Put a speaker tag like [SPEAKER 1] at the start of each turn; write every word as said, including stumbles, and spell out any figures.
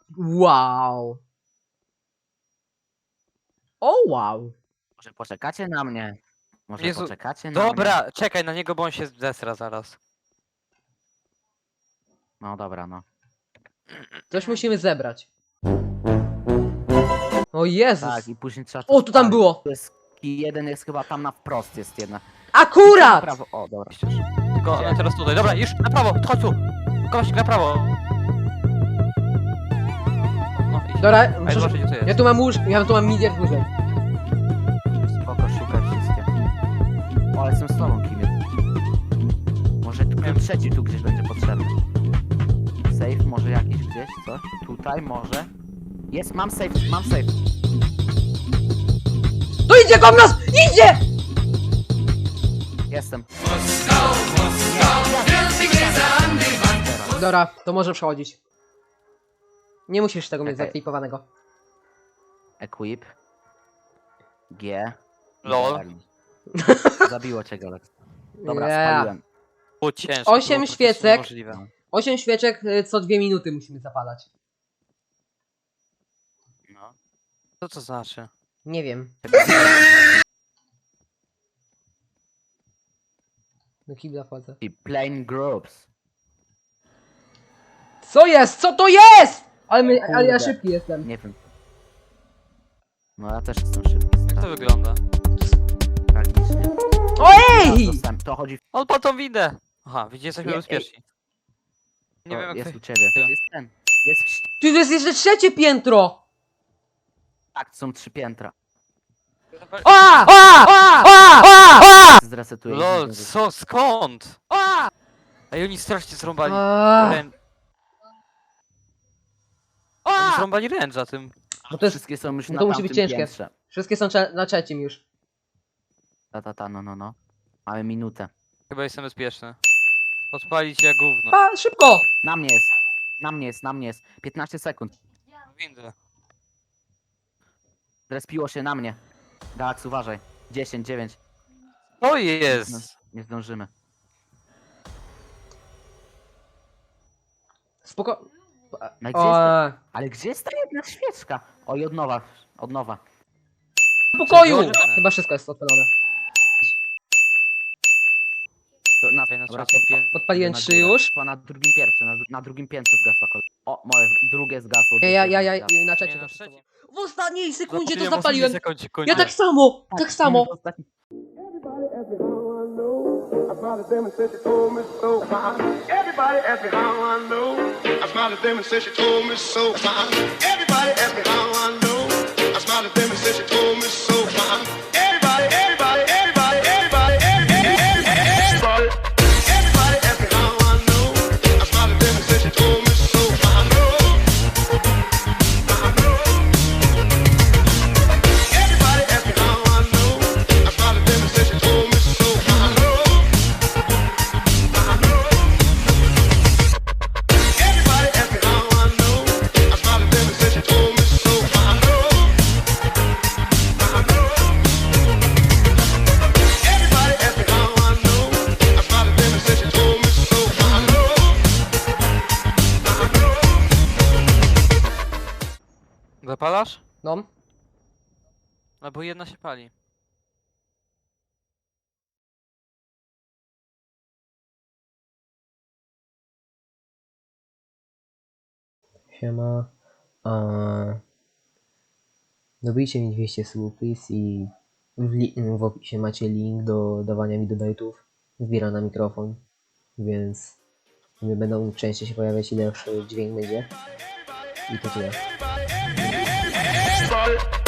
[SPEAKER 1] Wow. O wow.
[SPEAKER 2] Może poczekacie na mnie? Może
[SPEAKER 3] Jezu,
[SPEAKER 2] poczekacie na mnie?
[SPEAKER 3] Dobra, czekaj na niego, bo on się zesra zaraz.
[SPEAKER 2] No dobra, no.
[SPEAKER 1] Coś musimy zebrać. O Jezus.
[SPEAKER 2] Tak, i później trzeba... to
[SPEAKER 1] O, tu tam
[SPEAKER 2] spalić.
[SPEAKER 1] było.
[SPEAKER 2] Tu jest i jeden jest chyba tam na wprost jest jedna.
[SPEAKER 1] Akurat!
[SPEAKER 2] Prawo. O, dobra.
[SPEAKER 3] Tylko
[SPEAKER 2] Gdzie?
[SPEAKER 3] teraz tutaj. Dobra, już na prawo, chodź tu. Kościół na prawo. No, idź.
[SPEAKER 1] Dobra,
[SPEAKER 3] A ja
[SPEAKER 1] muszę...
[SPEAKER 3] zobaczę, gdzie to jest.
[SPEAKER 1] ja tu mam łóż... ja tu mam miliard łóżek.
[SPEAKER 2] Spoko, szukaj wszystkie. O, ale jestem z tobą, Kimie. Może tu ten trzeci tu gdzieś będzie potrzebny. Safe może jakiś gdzieś, coś? Tutaj może? Jest, mam safe, mam safe.
[SPEAKER 1] To idzie kom nas! Idzie!
[SPEAKER 2] Jestem.
[SPEAKER 1] Dobra, to może przechodzić. Nie musisz tego mieć
[SPEAKER 2] Okej.
[SPEAKER 1] zaklipowanego.
[SPEAKER 2] Equip. G.
[SPEAKER 3] Lol.
[SPEAKER 2] L. Zabiło cię, Golek. Dobra,
[SPEAKER 1] Yeah.
[SPEAKER 2] spaliłem.
[SPEAKER 3] Było ciężko.
[SPEAKER 1] Osiem
[SPEAKER 3] było praktycznie
[SPEAKER 1] świecek.
[SPEAKER 3] niemożliwe.
[SPEAKER 1] Osiem świeczek y, co dwie minuty musimy zapalać.
[SPEAKER 2] No.
[SPEAKER 3] Co to znaczy?
[SPEAKER 1] Nie wiem. Do kibla wchodzę.
[SPEAKER 2] I plain groups.
[SPEAKER 1] Co jest? Co to jest? Ale, my, ale ja
[SPEAKER 2] Kurde.
[SPEAKER 1] szybki jestem.
[SPEAKER 2] Nie wiem. No ja też jestem szybki.
[SPEAKER 3] Jak to wygląda?
[SPEAKER 2] Tragicznie.
[SPEAKER 1] Ojej!
[SPEAKER 2] Teraz dostałem- To chodzi...
[SPEAKER 3] On po tą windę! Aha, widzicie, jesteśmy
[SPEAKER 2] Nie,
[SPEAKER 3] bezpieczni. Nie
[SPEAKER 2] to
[SPEAKER 3] wiem jak
[SPEAKER 2] jest
[SPEAKER 3] to...
[SPEAKER 2] u ciebie. Jest ten. Jest w...
[SPEAKER 1] Tu jest jeszcze trzecie piętro!
[SPEAKER 2] Tak, są trzy piętra.
[SPEAKER 1] A! A! A! A! A!
[SPEAKER 2] Zresetuję.
[SPEAKER 3] Lol, co? Skąd?
[SPEAKER 1] A!
[SPEAKER 3] Ej, oni strasznie zrąbali
[SPEAKER 1] A!
[SPEAKER 3] rę... Oni
[SPEAKER 1] A!
[SPEAKER 3] zrąbali ręcza tym.
[SPEAKER 1] Bo to jest...
[SPEAKER 2] Wszystkie są już
[SPEAKER 1] no
[SPEAKER 2] na
[SPEAKER 1] to musi
[SPEAKER 2] tamtym
[SPEAKER 1] być ciężkie.
[SPEAKER 2] piętrze.
[SPEAKER 1] Wszystkie są cze- na trzecim już.
[SPEAKER 2] Ta, ta, ta, no, no, no. Mamy minutę.
[SPEAKER 3] Chyba jestem bezpieczny. Odpalić jak gówno.
[SPEAKER 1] A! Szybko!
[SPEAKER 2] Na mnie jest. Na mnie jest, na mnie jest. piętnaście sekund.
[SPEAKER 3] Windę.
[SPEAKER 2] Zrespiło się na mnie. Galax, uważaj. dziesięć, dziewięć.
[SPEAKER 3] To jest!
[SPEAKER 2] Nie zdążymy.
[SPEAKER 1] Spoko...
[SPEAKER 2] No i gdzie
[SPEAKER 1] O,
[SPEAKER 2] jest ta... Ale gdzie jest ta jedna świeczka? Oj, od nowa. Od nowa.
[SPEAKER 1] w pokoju!
[SPEAKER 3] Czego?
[SPEAKER 1] Chyba wszystko jest odpalone.
[SPEAKER 2] To na,
[SPEAKER 3] Ej, na
[SPEAKER 2] dobra,
[SPEAKER 3] trzecim
[SPEAKER 2] pod-
[SPEAKER 3] piętrze.
[SPEAKER 1] Podpaliłem
[SPEAKER 2] na
[SPEAKER 1] trzy
[SPEAKER 2] górę.
[SPEAKER 1] już.
[SPEAKER 2] Chyba na drugim piętrze. Na, na drugim piętrze zgasła kolej. O, moje drugie zgasło.
[SPEAKER 1] Ja, ja, ja, ja
[SPEAKER 2] trzecie zgasło.
[SPEAKER 1] na
[SPEAKER 3] Nie,
[SPEAKER 1] trzecim.
[SPEAKER 3] na
[SPEAKER 1] to
[SPEAKER 3] trzecim.
[SPEAKER 1] W ostatniej sekundzie to
[SPEAKER 3] Zapaliłem
[SPEAKER 1] zapaliłem.
[SPEAKER 3] ostatni sekund,
[SPEAKER 1] Ja tak samo!
[SPEAKER 2] Tak,
[SPEAKER 1] Tak samo!
[SPEAKER 2] ostatni-
[SPEAKER 4] Everybody ask me how I know. I smiled at them and said she told me so. Everybody ask me how I know. I smiled at them and said she told me so. Everybody ask me how I know. I smiled at them and said she told me so. Everybody, everybody, everybody, everybody, everybody, everybody, everybody ask me how I know. I smiled at them and said she told me so. I know. I know. Everybody ask me how I know. I smiled at them and said she told me so. I know. I know. Everybody ask me how I know. I smiled at them and said she told me so. I know. I know. Everybody ask me how I know. I smiled at them and said she told me so. I know. I know.
[SPEAKER 3] Zapalasz?
[SPEAKER 1] No.
[SPEAKER 3] No bo jedna się pali.
[SPEAKER 1] Siema. A... Dobijcie mi dwieście subów, please, i w, li- w opisie macie link do dawania mi donate'ów. Zbiera na mikrofon, więc nie będą częściej się pojawiać, ile lepszy dźwięk będzie. I to tyle.
[SPEAKER 4] Everybody.